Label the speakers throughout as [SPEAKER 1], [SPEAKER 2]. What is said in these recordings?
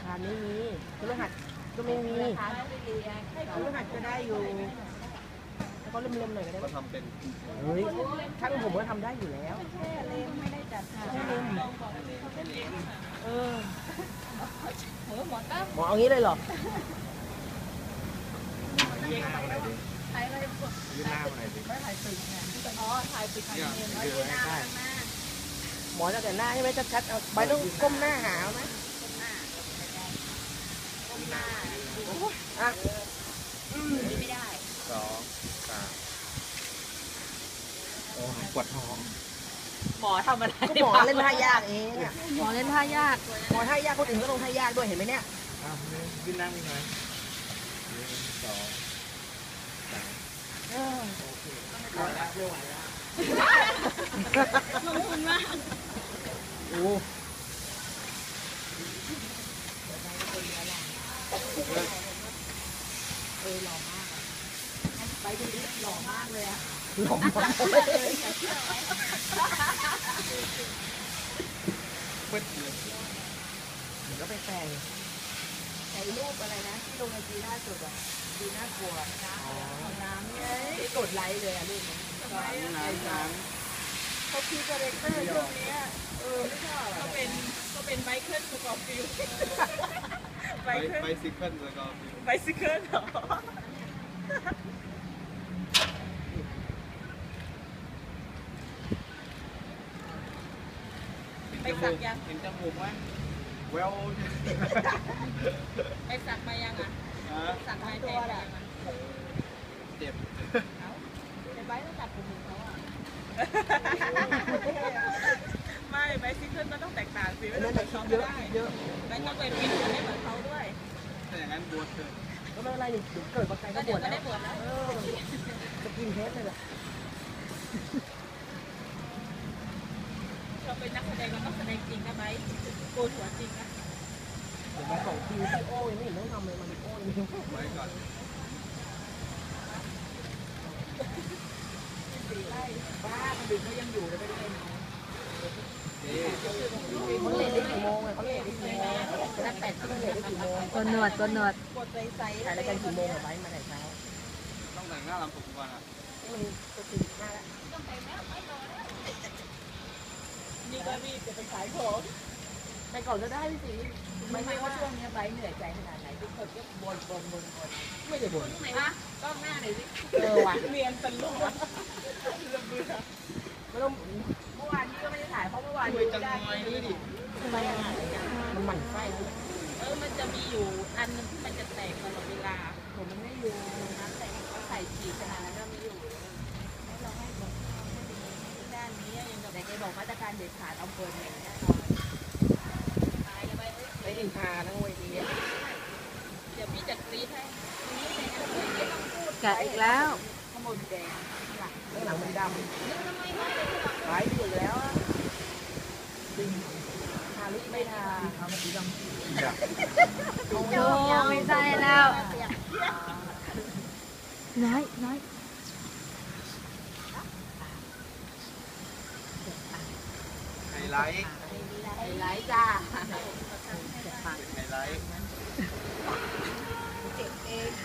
[SPEAKER 1] คารไม่มีพฤหัสก็ไม่มีพฤหัสก็ได้อยู่แล้วก็เริ่มๆหน่อยก็ได้ก็ทำเป็นเฮ้ยช่างผมก็ทำได้อยู่แล้วแค่เล่มไม่ได้จัดแค่เล่มหมอเอางี้เลยเหรอถ่ายอะไรยืนหน้ามาหน่อยสิไม่ถ่ายตึกไงอ๋อถ่ายตึกถ่ายเงินยืนหน้าหมอจะแต่หน้าใช่ไหมชัดๆเอาใบต้องก้มหน้าหาไหมก้มหน้าอ่ะไม่ได้2 3โอ้ปวดท้องหมอทำอะไรหมอเล่นท่ายากเองอ่ะหมอเล่นท่ายากหมอท่ายากคนอื่นก็ลงท่ายากด้วยเห็นไหมเนี่ยขึ้นนั่งหน่อย1 2 3โอเคไม่ไหวแล้วลงทุนมากโอ้หล่อมากไปดูดิหล่อมากเลยอะหล่อมากเลยก็ไปแต่งไอ้รูปอะไรนะที่ลงในจีน่าสุดอ่ะจีน่ากลัวนะของน้ำเนี่ยกดไลค์เลยอ่ะรูปนี้ทำไมน้ำเขาคิดอะไรเตอร์ช่วงนี้ไม่ชอบก็เป็นไบเคิลสกอร์ฟิลไบซิเคิลสกอร์ฟิลไบซิเคิลเหรอไปสักยังเห็นจมูกไหมแววไปสักมายังอ่ะสักมาตัวแหละเจ็บในใบต้องตัดผมเขาอ่ะไม่ใบซิเคิลมันต้องแตกต่างสิไม่ต้องเหมือนเขาไม่ได้ใบต้องเป็นฟิตไม่เหมือนเขาด้วยแต่อย่างนั้นบวชเกิดก็ไม่เป็นไรนี่เกิดมาไกลก็บวชแล้วได้บวชแล้วจะกินเทสเลยแหละเราเป็นนักแสดงเราต้องแสดงจริงนะไหมโกนหัวจริงนะเดี๋ยวมาส่งคิวที่โอ้ยไม่เห็นต้องทำเลยมันโอ้ยไว้ก่อนบ้าดึกเขายังอยู่เลยไม่ได้เขาเล่นได้กี่โมงเขาเล่นได้กี่โมงนัก8 ชั่วโมงได้กี่โมงกดหนวดกดหนวดกดใส่ถ่ายรายการกี่โมงไว้มาแต่เช้าต้องแต่งหน้าลำผมก่อนอ่ะมันจะ45แล้วต้องแต่งแล้วไม่รอนี่ก็รีบจะไปขายของไปก่อนก็ได้พี่สิไม่ใช่ว่าช่วงนี้ไบเหนื่อยใจขนาดไหนทุกคนก็บ่นไม่ได้บ่นไหนวะก็หน้าไหนสิว่ะเรียนตลกไม่ต้องเมื่อวานนี้ก็ไม่ได้ถ่ายเพราะเมื่อวานนี้ได้ทำไมมันหมั่นไส้มันจะมีอยู่อันนึงที่มันจะแตกตลอดเวลาผมมันไม่อยู่น้ำแตกเขาใส่ฉีดขนาดนั้นก็ไม่อยู่ให้เราให้แบบด้านนี้ยังแต่แกบอกมาตรการเด็ดขาดเอาเปิดอย่างแน่นอนไปอินทาทั้งเวทีเดี๋ยวพี่จัดกรี๊ดให้แกะอีกแล้วขโมยแดงข้างหลังมันดำหายอยู่แล้วทาลิปไม่ทาทาสีดำโอ้ไม่ใช่แล้วน้อยไฮไลท์จ้าไฮไลท์เจ็บเอง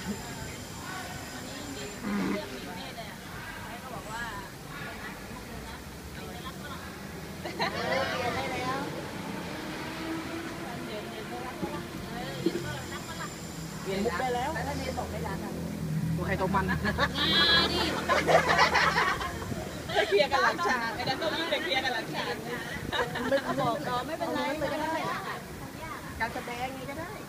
[SPEAKER 1] เปลี่ยนมุกได้แล้วแล้วถ้าเนยตกได้ร้านอะไรตัวใครตัวมันดิเคลียร์กันหลังฉากไอ้นั่นต้องรีบไปเคลียร์กันหลังฉากไม่บอกก็ไม่เป็นไรก็ได้การแสดงนี้ก็ได้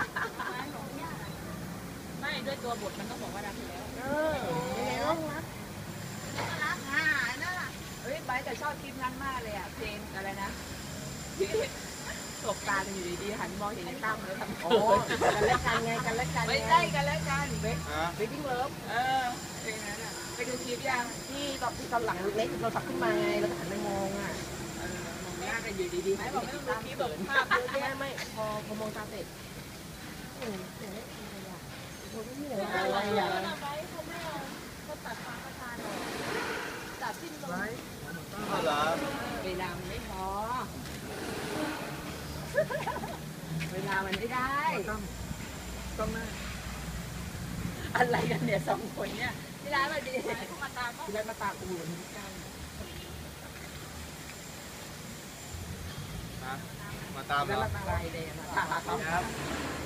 [SPEAKER 1] ไม่ด้วยตัวบทมันต้องบอกว่ารักอยู่แล้วยังไงต้องรักนั่นแหละเฮ้ยไบร์ทแต่ชอบคลิปนั้นมากเลยอ่ะเพลงอะไรนะตบตากันอยู่ดีๆหันมองเห็นในตั้มแล้วทำโอ้กันแล้วกันไงกันแล้วกันไม่ได้กันแล้วกันเวดดิ้งเลิฟเพลงนั้นอ่ะไปดูคลิปยังที่ตอนหลังเล็กเราตักขึ้นมาไงเราหันไปมองอ่ะมองหน้ากันอยู่ดีๆไม่บอกไม่ต้องดูคลิปแบบภาพไม่พอมองตาเสร็จอะไรอ่ะเขาตัดฟ้าประทานตัดสิ้นลมเวลาไม่พอเวลามันไม่ได้
[SPEAKER 2] ต้องหน้า
[SPEAKER 1] อะไรกันเนี่ยสองคนเนี่ยที่ร้านมาดีมาตาม
[SPEAKER 2] ที่แรกมาตากูอยู่นี่กัน
[SPEAKER 3] มาตาม
[SPEAKER 2] แล้ว
[SPEAKER 3] เหรอ
[SPEAKER 2] มา
[SPEAKER 1] อะไรเลยมาตาม
[SPEAKER 3] ครับ